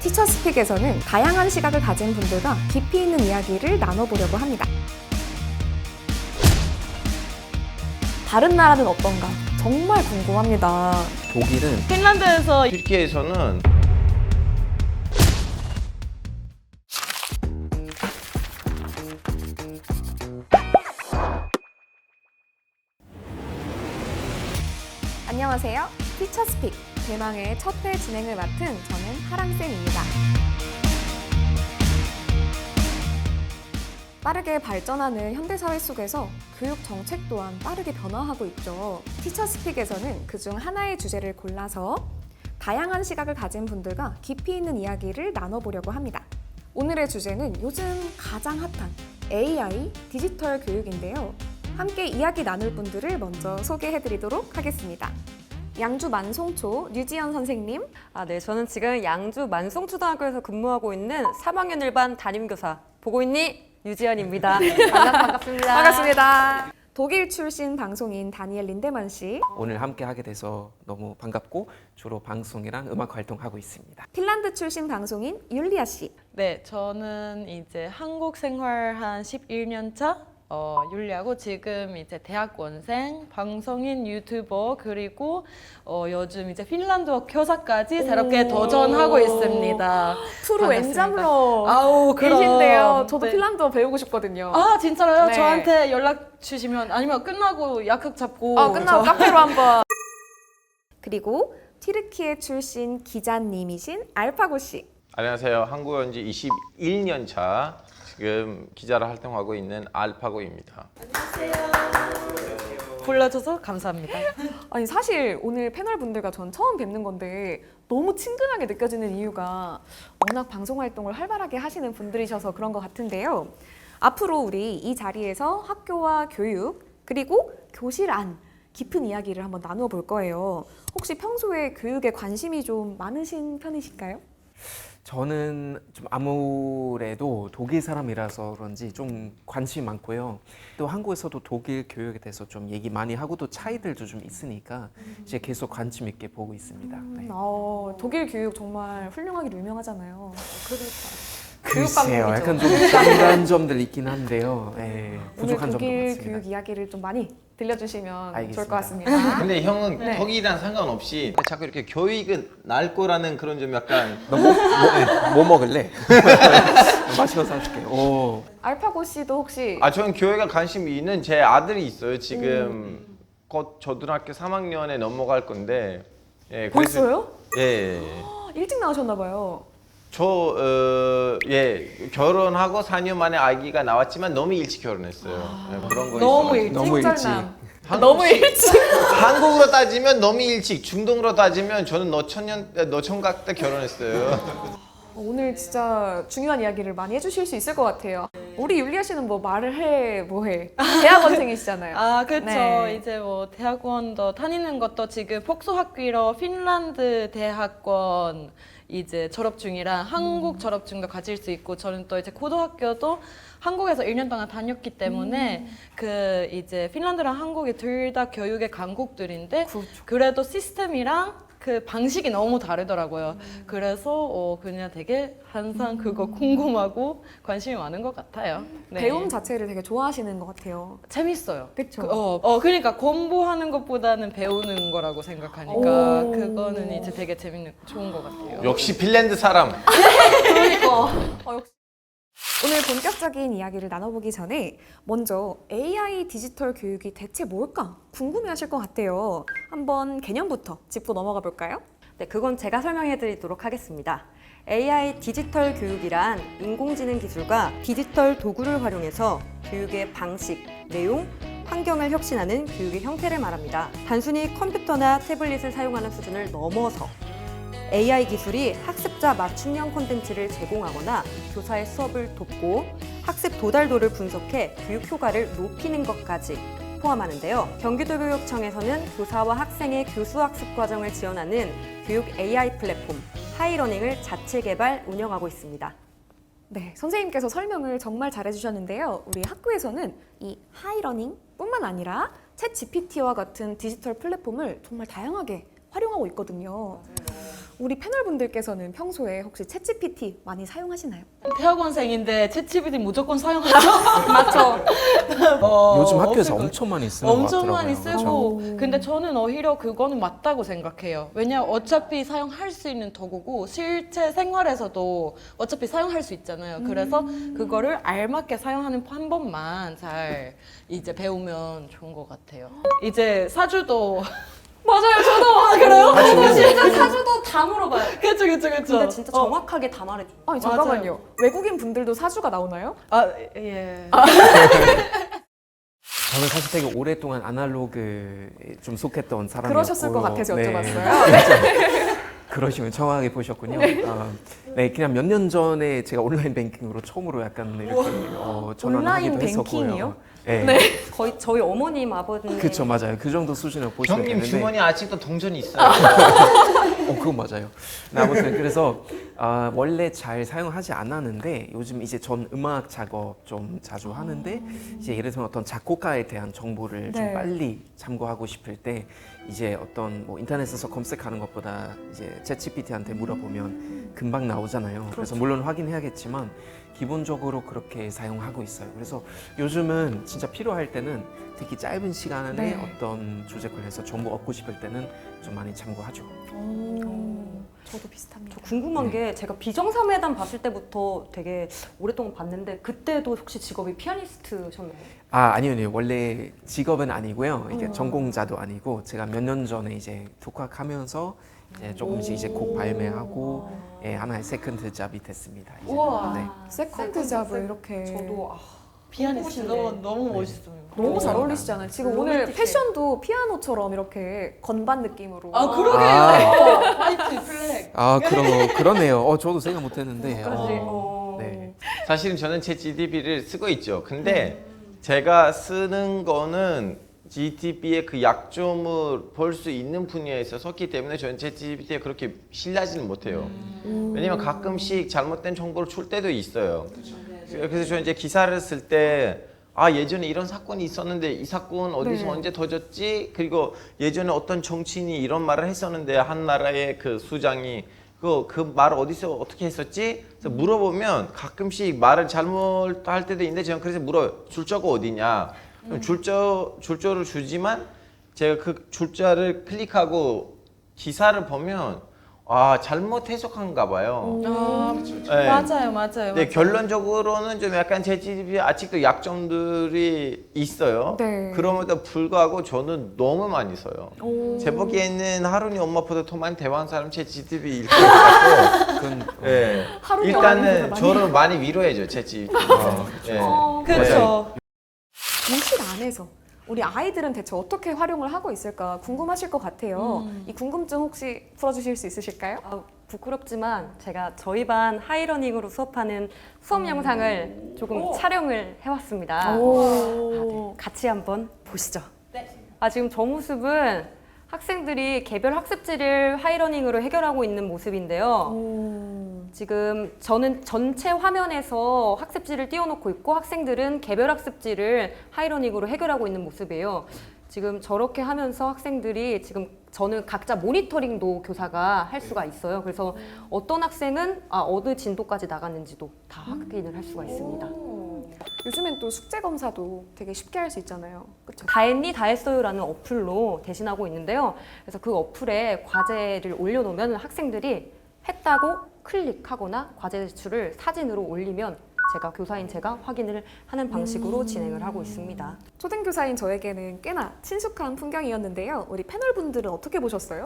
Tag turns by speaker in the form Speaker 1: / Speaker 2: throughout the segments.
Speaker 1: 티처스픽에서는 다양한 시각을 가진 분들과 깊이 있는 이야기를 나눠보려고 합니다. 다른 나라는 어떤가? 정말 궁금합니다.
Speaker 2: 독일은
Speaker 3: 핀란드에서
Speaker 4: 튀르키예에서는
Speaker 1: 안녕하세요. 티처스픽 대망의 첫 회 진행을 맡은 저는 하랑쌤입니다. 빠르게 발전하는 현대사회 속에서 교육 정책 또한 빠르게 변화하고 있죠. 티처스픽에서는 그중 하나의 주제를 골라서 다양한 시각을 가진 분들과 깊이 있는 이야기를 나눠보려고 합니다. 오늘의 주제는 요즘 가장 핫한 AI 디지털 교육인데요. 함께 이야기 나눌 분들을 먼저 소개해드리도록 하겠습니다. 양주 만송초 류지연 선생님.
Speaker 5: 네, 저는 지금 양주 만송초등학교에서 근무하고 있는 3학년 1반 담임교사 보고 있니? 유지연입니다. 반갑습니다.
Speaker 1: 반갑습니다. 독일 출신 방송인 다니엘 린데만 씨.
Speaker 2: 오늘 함께 하게 돼서 너무 반갑고 주로 방송이랑 음악 활동하고 있습니다.
Speaker 1: 핀란드 출신 방송인 율리아 씨.
Speaker 3: 네, 저는 이제 한국 생활 한 11년 차 율리하고 지금 이제 대학원생, 방송인, 유튜버 그리고 요즘 이제 핀란드어 교사까지 새롭게 도전하고 있습니다.
Speaker 1: 프로
Speaker 3: 반갑습니다.
Speaker 1: 엔잡러
Speaker 3: 아우, 그럼.
Speaker 1: 계신데요. 저도
Speaker 3: 네.
Speaker 1: 핀란드어 배우고 싶거든요.
Speaker 3: 아, 진짜로요?
Speaker 1: 네.
Speaker 3: 저한테 연락 주시면 아니면 끝나고 약속 잡고
Speaker 1: 끝나고 카페로 한번. 그리고 튀르키예 출신 기자님이신 알파고 씨.
Speaker 4: 안녕하세요. 한국에 온 지 21년 차 지금 기자로 활동하고 있는 알파고입니다.
Speaker 3: 불러줘서 감사합니다.
Speaker 1: 아니 사실 오늘 패널 분들과 전 처음 뵙는 건데 너무 친근하게 느껴지는 이유가 워낙 방송 활동을 활발하게 하시는 분들이셔서 그런 것 같은데요. 앞으로 우리 이 자리에서 학교와 교육 그리고 교실 안 깊은 이야기를 한번 나누어 볼 거예요. 혹시 평소에 교육에 관심이 좀 많으신 편이실까요?
Speaker 2: 저는 좀 아무래도 독일 사람이라서 그런지 좀 관심이 많고요. 또 한국에서도 독일 교육에 대해서 좀 얘기 많이 하고 또 차이들도 좀 있으니까 이제 계속 관심 있게 보고 있습니다. 네.
Speaker 1: 독일 교육 정말 훌륭하기로 유명하잖아요.
Speaker 2: 글쎄요,
Speaker 1: 교육
Speaker 2: 약간 좀 부족한 점들 있긴 한데요. 네,
Speaker 1: 오늘
Speaker 2: 부족한 점도
Speaker 1: 독일
Speaker 2: 많습니다.
Speaker 1: 교육 이야기를 좀 많이 들려주시면
Speaker 2: 알겠습니다.
Speaker 1: 좋을 것 같습니다.
Speaker 4: 근데 형은
Speaker 1: 네.
Speaker 4: 독일이랑 상관없이 자꾸 이렇게 교육은 날 거라는 그런 좀 약간
Speaker 2: 뭐 먹을래? 마시면서 사줄게. 오.
Speaker 1: 알파고 씨도 혹시
Speaker 4: 저는 교육에 관심이 있는 제 아들이 있어요. 지금 곧 초등학교 3학년에 넘어갈 건데
Speaker 1: 벌써요?
Speaker 4: 예.
Speaker 1: 일찍 나오셨나 봐요.
Speaker 4: 결혼하고 4년 만에 아기가 나왔지만 너무 일찍 결혼했어요. 그런 거
Speaker 3: 너무
Speaker 4: 있어가지고.
Speaker 3: 일찍?
Speaker 2: 너무 일찍.
Speaker 1: 쩔남.
Speaker 4: 한국-
Speaker 1: 너무 일찍.
Speaker 4: 한국으로 따지면 너무 일찍, 중동으로 따지면 저는 노총각 때 결혼했어요.
Speaker 1: 오늘 진짜 중요한 이야기를 많이 해주실 수 있을 것 같아요. 우리 율리아 씨는 뭐 말을 해, 뭐 해. 대학원생이시잖아요.
Speaker 3: 아, 그렇죠.
Speaker 1: 네.
Speaker 3: 이제 뭐 대학원도 다니는 것도 지금 폭소학위로 핀란드 대학원 이제 졸업 중이라 한국 졸업증도 가질 수 있고 저는 또 이제 고등학교도 한국에서 1년 동안 다녔기 때문에 그 이제 핀란드랑 한국이 둘 다 교육의 강국들인데 그래도 시스템이랑 그 방식이 너무 다르더라고요. 그래서 그냥 되게 항상 그거 궁금하고 관심이 많은 것 같아요. 네.
Speaker 1: 배움 자체를 되게 좋아하시는 것 같아요.
Speaker 3: 재밌어요.
Speaker 1: 그쵸?
Speaker 3: 그러니까 공부하는 것보다는 배우는 거라고 생각하니까
Speaker 1: 오.
Speaker 3: 그거는 이제 되게 좋은 것 같아요.
Speaker 4: 역시 핀란드 사람.
Speaker 1: 역시. 오늘 본격적인 이야기를 나눠보기 전에 먼저 AI 디지털 교육이 대체 뭘까 궁금해하실 것 같아요. 한번 개념부터 짚고 넘어가 볼까요?
Speaker 5: 네, 그건 제가 설명해 드리도록 하겠습니다. AI 디지털 교육이란 인공지능 기술과 디지털 도구를 활용해서 교육의 방식, 내용, 환경을 혁신하는 교육의 형태를 말합니다. 단순히 컴퓨터나 태블릿을 사용하는 수준을 넘어서 AI 기술이 학습자 맞춤형 콘텐츠를 제공하거나 교사의 수업을 돕고 학습 도달도를 분석해 교육 효과를 높이는 것까지 포함하는데요. 경기도교육청에서는 교사와 학생의 교수학습 과정을 지원하는 교육 AI 플랫폼 하이러닝을 자체 개발, 운영하고 있습니다.
Speaker 1: 네, 선생님께서 설명을 정말 잘해주셨는데요. 우리 학교에서는 이 하이러닝뿐만 아니라 챗 GPT와 같은 디지털 플랫폼을 정말 다양하게 활용하고 있거든요. 우리 패널분들께서는 평소에 혹시 챗GPT 많이 사용하시나요?
Speaker 3: 대학원생인데 챗GPT 무조건 사용하죠.
Speaker 5: 맞죠?
Speaker 2: 요즘 학교에서
Speaker 3: 없을 것
Speaker 2: 엄청 많이 쓰는 것
Speaker 3: 엄청
Speaker 2: 같더라고요.
Speaker 3: 많이 쓰고
Speaker 1: 그렇죠?
Speaker 3: 근데 저는 오히려 그거는 맞다고 생각해요. 왜냐 어차피 사용할 수 있는 도구고 실제 생활에서도 어차피 사용할 수 있잖아요. 그래서 그거를 알맞게 사용하는 방법만 잘 이제 배우면 좋은 것 같아요. 이제 사주도
Speaker 5: 맞아요, 저도. 그래요?
Speaker 2: 사주.
Speaker 5: 진짜 사주도 다 물어봐요.
Speaker 3: 그쵸.
Speaker 5: 근데 진짜 정확하게 다 말해줘.
Speaker 1: 아니 잠깐만요. 외국인 분들도 사주가 나오나요?
Speaker 3: 아 예.
Speaker 2: 저는 사실 되게 오랫동안 아날로그에 좀 속했던 사람이었고
Speaker 1: 그러셨을 것 같아서
Speaker 2: 네.
Speaker 1: 여쭤봤어요.
Speaker 2: 그러시면 정확하게 보셨군요. 네, 그냥 몇 년 전에 제가 온라인 뱅킹으로 처음으로 약간 이렇게 전환하기도
Speaker 1: 온라인
Speaker 2: 했었고요.
Speaker 1: 뱅킹이요?
Speaker 2: 네.
Speaker 5: 거의 저희 어머님, 아버님.
Speaker 2: 그쵸, 맞아요. 그 정도 수준으로 보시면
Speaker 4: 형님
Speaker 2: 되는데.
Speaker 4: 주머니 아직도 동전이 있어요.
Speaker 2: 그건 맞아요. 네, 아무튼 그래서 원래 잘 사용하지 않았는데 요즘 이제 전 음악 작업 좀 자주 하는데 이제 예를 들면 어떤 작곡가에 대한 정보를 좀
Speaker 1: 네.
Speaker 2: 빨리 참고하고 싶을 때 이제 어떤 뭐 인터넷에서 검색하는 것보다 이제 챗GPT한테 물어보면 금방 나오잖아요. 그래서 물론 확인해야겠지만 기본적으로 그렇게 사용하고 있어요. 그래서 요즘은 진짜 필요할 때는 특히 짧은 시간에
Speaker 1: 네.
Speaker 2: 어떤 주제 관련해서 정보 얻고 싶을 때는 좀 많이 참고하죠.
Speaker 1: 저도 비슷합니다.
Speaker 5: 저 궁금한 게 제가 비정상회담 봤을 때부터 되게 오랫동안 봤는데 그때도 혹시 직업이 피아니스트셨나요?
Speaker 2: 아니요. 원래 직업은 아니고요. 이게 전공자도 아니고 제가 몇 년 전에 이제 독학하면서 이제 조금씩 이제 곡 발매하고 예, 하나의 세컨드 잡이 됐습니다. 이제.
Speaker 3: 우와.
Speaker 2: 네.
Speaker 1: 세컨드 잡을 이렇게
Speaker 5: 저도
Speaker 3: 피아니스트 너무 멋있어요.
Speaker 1: 너무 잘 어울리시잖아요. 지금 오늘
Speaker 5: 로맨틱해.
Speaker 1: 패션도 피아노처럼 이렇게 건반 느낌으로.
Speaker 3: 아 그러게요.
Speaker 2: 아.
Speaker 3: 화이트 플렉.
Speaker 2: 그러네요. 저도 생각 못했는데. 네.
Speaker 4: 사실은 저는 제 GTP를 쓰고 있죠. 근데 제가 쓰는 거는 GTP의 그 약점을 볼 수 있는 분야에 있었기 때문에 저는 제 GTP에 그렇게 신뢰하지는 못해요. 왜냐면 가끔씩 잘못된 정보를 줄 때도 있어요. 그래서 저는 이제 기사를 쓸 때 예전에 이런 사건이 있었는데 이 사건 어디서
Speaker 1: 네.
Speaker 4: 언제 터졌지? 그리고 예전에 어떤 정치인이 이런 말을 했었는데 한 나라의 그 수장이 그 말을 어디서 어떻게 했었지? 그래서 물어보면 가끔씩 말을 잘못할 때도 있는데 저는 그래서 물어요. 출처가 어디냐? 그럼 출처를 주지만 제가 그 출처를 클릭하고 기사를 보면 잘못 해석한가 봐요. 네.
Speaker 3: 맞아요.
Speaker 4: 네, 결론적으로는 좀 약간 제 GTP에 아직도 약점들이 있어요.
Speaker 1: 네.
Speaker 4: 그럼에도 불구하고 저는 너무 많이 써요. 제 보기에는 하루니 엄마보다 더 많이 대화한 사람 제 GTP일 것 같고
Speaker 2: 그건
Speaker 4: 네.
Speaker 1: 하루니
Speaker 4: 일단은
Speaker 1: 엄마보다
Speaker 4: 저를 많이 위로해줘 제 GTP. 네.
Speaker 3: 그렇죠.
Speaker 1: 교실 안에서 우리 아이들은 대체 어떻게 활용을 하고 있을까 궁금하실 것 같아요. 이 궁금증 혹시 풀어주실 수 있으실까요?
Speaker 5: 부끄럽지만 제가 저희 반 하이러닝으로 수업하는 수업 영상을 조금 촬영을 해왔습니다.
Speaker 1: 오.
Speaker 5: 같이 한번 보시죠. 지금 저 모습은 학생들이 개별 학습지를 하이러닝으로 해결하고 있는 모습인데요. 지금 저는 전체 화면에서 학습지를 띄워놓고 있고 학생들은 개별 학습지를 하이러닝으로 해결하고 있는 모습이에요. 지금 저렇게 하면서 학생들이 지금 저는 각자 모니터링도 교사가 할 수가 있어요. 그래서 어떤 학생은 어느 진도까지 나갔는지도 다 확인을 할 수가 있습니다.
Speaker 1: 요즘엔 또 숙제 검사도 되게 쉽게 할 수 있잖아요. 그렇죠?
Speaker 5: 다 했니? 다 했어요라는 어플로 대신하고 있는데요. 그래서 그 어플에 과제를 올려놓으면 학생들이 했다고 클릭하거나 과제 제출을 사진으로 올리면 교사인 제가 확인을 하는 방식으로 진행을 하고 있습니다.
Speaker 1: 초등교사인 저에게는 꽤나 친숙한 풍경이었는데요. 우리 패널분들은 어떻게 보셨어요?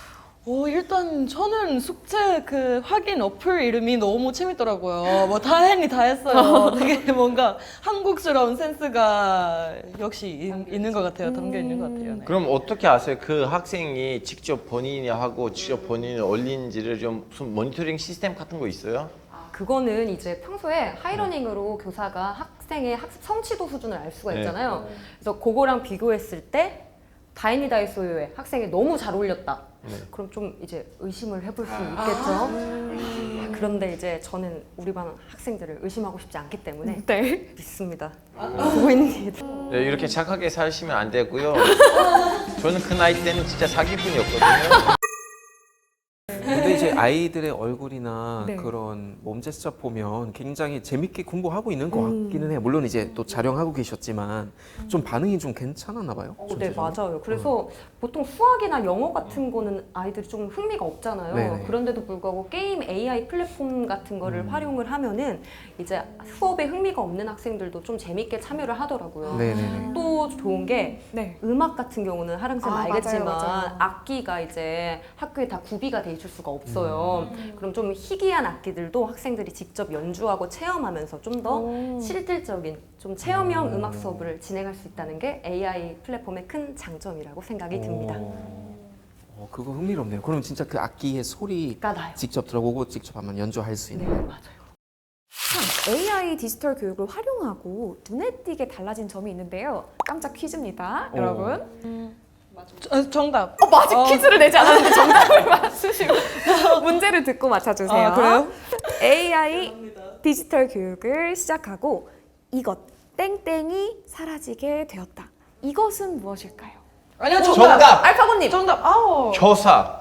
Speaker 3: 일단 저는 숙제 그 확인 어플 이름이 너무 재밌더라고요. 뭐 다 했니 다 했어요. 되게 뭔가 한국스러운 센스가 역시 있는 것 같아요. 담겨 있는 것 같아요. 네.
Speaker 4: 그럼 어떻게 아세요? 그 학생이 직접 본인이 하고 직접 본인이 올린지를 좀 무슨 모니터링 시스템 같은 거 있어요?
Speaker 5: 그거는 이제 평소에 하이러닝으로 교사가 학생의 학습 성취도 수준을 알 수가 있잖아요. 그래서 그거랑 비교했을 때 다행히 다했어요에 학생이 너무 잘 올렸다. 그럼 좀 이제 의심을 해볼 수 있겠죠. 그런데 이제 저는 우리 반 학생들을 의심하고 싶지 않기 때문에
Speaker 1: 네.
Speaker 5: 믿습니다. 보고 있는 게
Speaker 4: 네, 이렇게 착하게 사시면 안 되고요. 저는 그 나이 때는 진짜 사기꾼이었거든요.
Speaker 2: 근데 이제 아이들의 얼굴이나
Speaker 1: 네.
Speaker 2: 그런 몸 제스처 보면 굉장히 재밌게 공부하고 있는 것 같기는 해요. 물론 이제 또 촬영하고 계셨지만 좀 반응이 좀 괜찮았나 봐요.
Speaker 5: 네,
Speaker 2: 전체적으로.
Speaker 5: 맞아요. 그래서 보통 수학이나 영어 같은 거는 아이들이 좀 흥미가 없잖아요.
Speaker 2: 네네.
Speaker 5: 그런데도 불구하고 게임 AI 플랫폼 같은 거를 활용을 하면은 이제 수업에 흥미가 없는 학생들도 좀 재밌게 참여를 하더라고요.
Speaker 2: 네네네.
Speaker 5: 또 좋은 게
Speaker 1: 네.
Speaker 5: 음악 같은 경우는 하랑쌤
Speaker 1: 아,
Speaker 5: 알겠지만
Speaker 1: 맞아요.
Speaker 5: 악기가 이제 학교에 다 구비가 돼 있을 수가 없어요. 그럼 좀 희귀한 악기들도 학생들이 직접 연주하고 체험하면서 좀 더
Speaker 1: 오.
Speaker 5: 실질적인 좀 체험형 음악 수업을 진행할 수 있다는 게 AI 플랫폼의 큰 장점이라고 생각이 듭니다.
Speaker 2: 그거 흥미롭네요. 그럼 진짜 그 악기의 소리
Speaker 5: 가 나요.
Speaker 2: 직접 들어보고 직접 한번 연주할 수
Speaker 5: 네,
Speaker 2: 있는.
Speaker 5: 맞아요.
Speaker 1: 참 AI 디지털 교육을 활용하고 눈에 띄게 달라진 점이 있는데요. 깜짝 퀴즈입니다,
Speaker 2: 오.
Speaker 1: 여러분.
Speaker 3: 정답.
Speaker 1: 아직 퀴즈를 내지 않았는데 정답을 맞추시고 문제를 듣고 맞춰주세요.
Speaker 3: 아, 그래요?
Speaker 1: AI 디지털 교육을 시작하고 이것 땡땡이 사라지게 되었다. 이것은 무엇일까요?
Speaker 3: 아니요,
Speaker 4: 정답!
Speaker 1: 알파고님.
Speaker 3: 정답. 아우.
Speaker 4: 교사.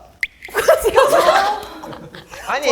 Speaker 4: 아니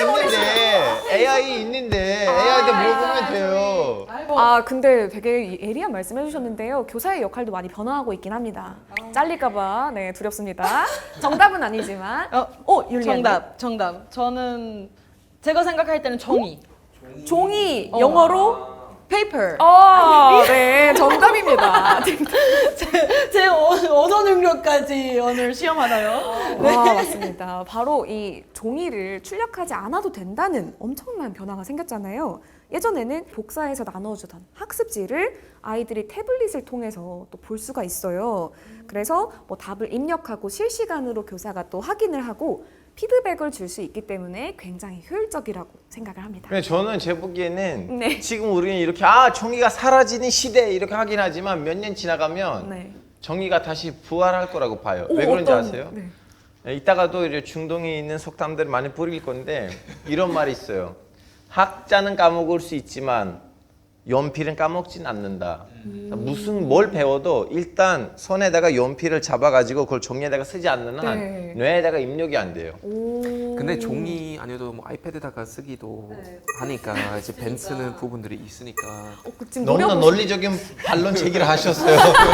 Speaker 4: AI 있는데 AI한테 물어보면 돼요.
Speaker 1: 아 근데 되게 예리한 말씀해 주셨는데요. 교사의 역할도 많이 변화하고 있긴 합니다. 잘릴까봐 네 두렵습니다. 정답은 아니지만 율리안
Speaker 3: 정답. 저는 제가 생각할 때는 종이.
Speaker 1: 종이 영어로
Speaker 3: paper.
Speaker 1: 네 정답입니다.
Speaker 3: 제 언어 능력까지 오늘 시험하나요?
Speaker 1: 와 맞습니다. 바로 이 종이를 출력하지 않아도 된다는 엄청난 변화가 생겼잖아요. 예전에는 복사해서 나눠주던 학습지를 아이들이 태블릿을 통해서 또 볼 수가 있어요. 그래서 뭐 답을 입력하고 실시간으로 교사가 또 확인을 하고 피드백을 줄 수 있기 때문에 굉장히 효율적이라고 생각을 합니다.
Speaker 4: 근데 저는 제 보기에는
Speaker 1: 네.
Speaker 4: 지금 우리는 이렇게 종이가 사라지는 시대 이렇게 하긴 하지만 몇 년 지나가면
Speaker 1: 네.
Speaker 4: 정의가 다시 부활할 거라고 봐요.
Speaker 1: 오,
Speaker 4: 왜 그런지
Speaker 1: 어떤-
Speaker 4: 아세요?
Speaker 1: 네.
Speaker 4: 이따가도 이제 중동에 있는 속담들 많이 뿌릴 건데 이런 말이 있어요. 학자는 까먹을 수 있지만 연필은 까먹진 않는다. 무슨 뭘 배워도 일단 손에다가 연필을 잡아가지고 그걸 종이에다가 쓰지 않는 한
Speaker 1: 네.
Speaker 4: 뇌에다가 입력이 안 돼요.
Speaker 1: 오.
Speaker 2: 근데 종이 아니어도 뭐 아이패드다가 쓰기도 하니까 이제 벤 쓰는 부분들이 있으니까.
Speaker 1: 지금
Speaker 4: 너무나
Speaker 1: 노려보시-
Speaker 4: 논리적인 반론 제기를 하셨어요.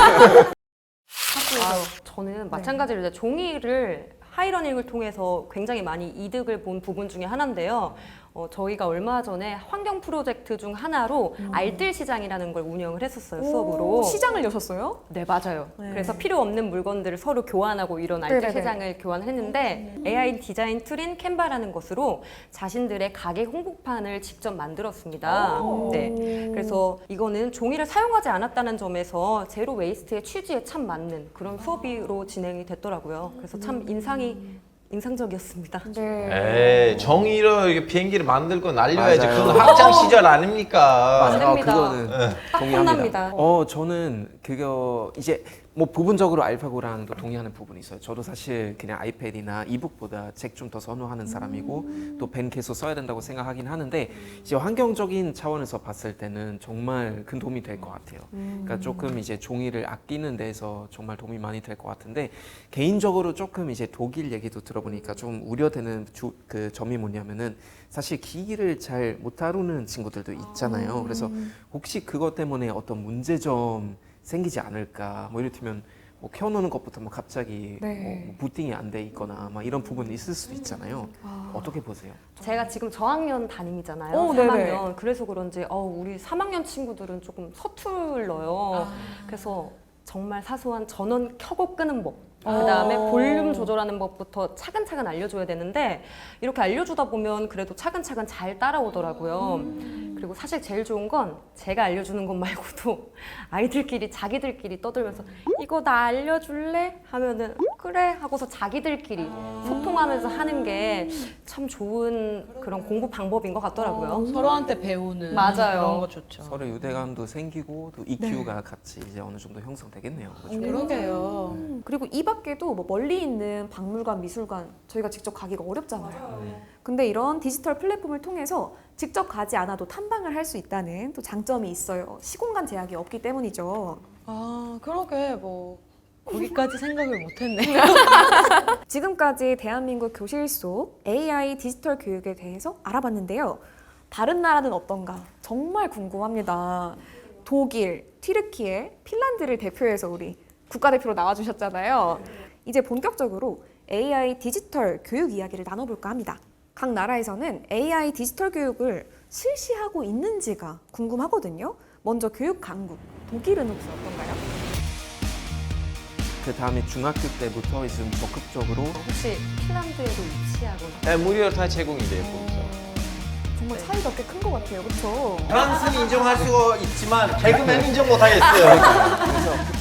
Speaker 5: 저는 마찬가지로 이제 종이를 하이러닝을 통해서 굉장히 많이 이득을 본 부분 중에 하나인데요. 저희가 얼마 전에 환경 프로젝트 중 하나로 알뜰 시장이라는 걸 운영을 했었어요, 수업으로.
Speaker 1: 시장을 여셨어요?
Speaker 5: 네, 맞아요.
Speaker 1: 네.
Speaker 5: 그래서 필요 없는 물건들을 서로 교환하고 이런 알뜰
Speaker 1: 네네네.
Speaker 5: 시장을 교환을 했는데 AI 디자인 툴인 캔바라는 것으로 자신들의 가게 홍보판을 직접 만들었습니다. 네. 그래서 이거는 종이를 사용하지 않았다는 점에서 제로 웨이스트의 취지에 참 맞는 그런 수업으로 진행이 됐더라고요. 그래서 참 인상적이었습니다.
Speaker 1: 네.
Speaker 4: 에이, 정의로 이렇게 비행기를 만들고 날려야지.
Speaker 2: 맞아요.
Speaker 4: 그건 학창 시절 아닙니까?
Speaker 2: 맞아요.
Speaker 5: 됩니다.
Speaker 2: 그거는
Speaker 5: 딱
Speaker 2: 동의합니다.
Speaker 5: 혼납니다.
Speaker 2: 저는 그거 이제 뭐 부분적으로 알파고랑도 동의하는 부분이 있어요. 저도 사실 그냥 아이패드나 이북보다 책 좀 더 선호하는 사람이고 또 펜 계속 써야 된다고 생각하긴 하는데 이제 환경적인 차원에서 봤을 때는 정말 큰 도움이 될 것 같아요. 그러니까 조금 이제 종이를 아끼는 데서 정말 도움이 많이 될 것 같은데 개인적으로 조금 이제 독일 얘기도 들어보니까 좀 우려되는 그 점이 뭐냐면은 사실 기기를 잘 못 다루는 친구들도 있잖아요. 그래서 혹시 그것 때문에 어떤 문제점 생기지 않을까. 뭐 이를테면 뭐 켜놓는 것부터 뭐 갑자기
Speaker 1: 네.
Speaker 2: 뭐 부팅이 안 돼 있거나 막 이런 부분이 있을 수도 있잖아요. 어떻게 보세요?
Speaker 5: 제가 지금 저학년 담임이잖아요.
Speaker 1: 오,
Speaker 5: 3학년.
Speaker 1: 네네.
Speaker 5: 그래서 그런지 우리 3학년 친구들은 조금 서툴러요. 그래서 정말 사소한 전원 켜고 끄는 법. 그다음에 볼륨 조절하는 법부터 차근차근 알려줘야 되는데 이렇게 알려주다 보면 그래도 차근차근 잘 따라오더라고요. 그리고 사실 제일 좋은 건 제가 알려주는 것 말고도 아이들끼리 자기들끼리 떠들면서 이거 나 알려줄래? 하면은 그래 하고서 자기들끼리 소통하면서 하는 게 참 좋은 그런 공부 방법인 것 같더라고요.
Speaker 3: 서로한테 배우는
Speaker 5: 맞아요.
Speaker 3: 그런 거 좋죠.
Speaker 2: 서로 유대감도 생기고 또 EQ가 같이 이제 어느 정도 형성되겠네요. 그렇죠?
Speaker 3: 그러게요.
Speaker 1: 그리고 이 밖에도 뭐 멀리 있는 박물관, 미술관 저희가 직접 가기가 어렵잖아요. 근데 이런 디지털 플랫폼을 통해서 직접 가지 않아도 탐방을 할 수 있다는 또 장점이 있어요. 시공간 제약이 없기 때문이죠.
Speaker 3: 그러게 뭐 거기까지 생각을 못했네.
Speaker 1: 지금까지 대한민국 교실 속 AI 디지털 교육에 대해서 알아봤는데요. 다른 나라는 어떤가 정말 궁금합니다. 독일, 튀르키예, 핀란드를 대표해서 우리 국가대표로 나와주셨잖아요. 이제 본격적으로 AI 디지털 교육 이야기를 나눠볼까 합니다. 각 나라에서는 AI 디지털 교육을 실시하고 있는지가 궁금하거든요. 먼저 교육 강국, 독일은 혹시 어떤가요?
Speaker 2: 그 다음에 중학교 때부터 이제 좀 적극적으로
Speaker 5: 혹시 핀란드에도 위치하고
Speaker 4: 네, 무료로 다 제공이 돼요. 거기서.
Speaker 1: 정말 차이가 꽤 큰 것 같아요. 그렇죠?
Speaker 4: 프랑스는 인정할 수가 있지만 개그맨 인정 못 하겠어요.
Speaker 2: 그래서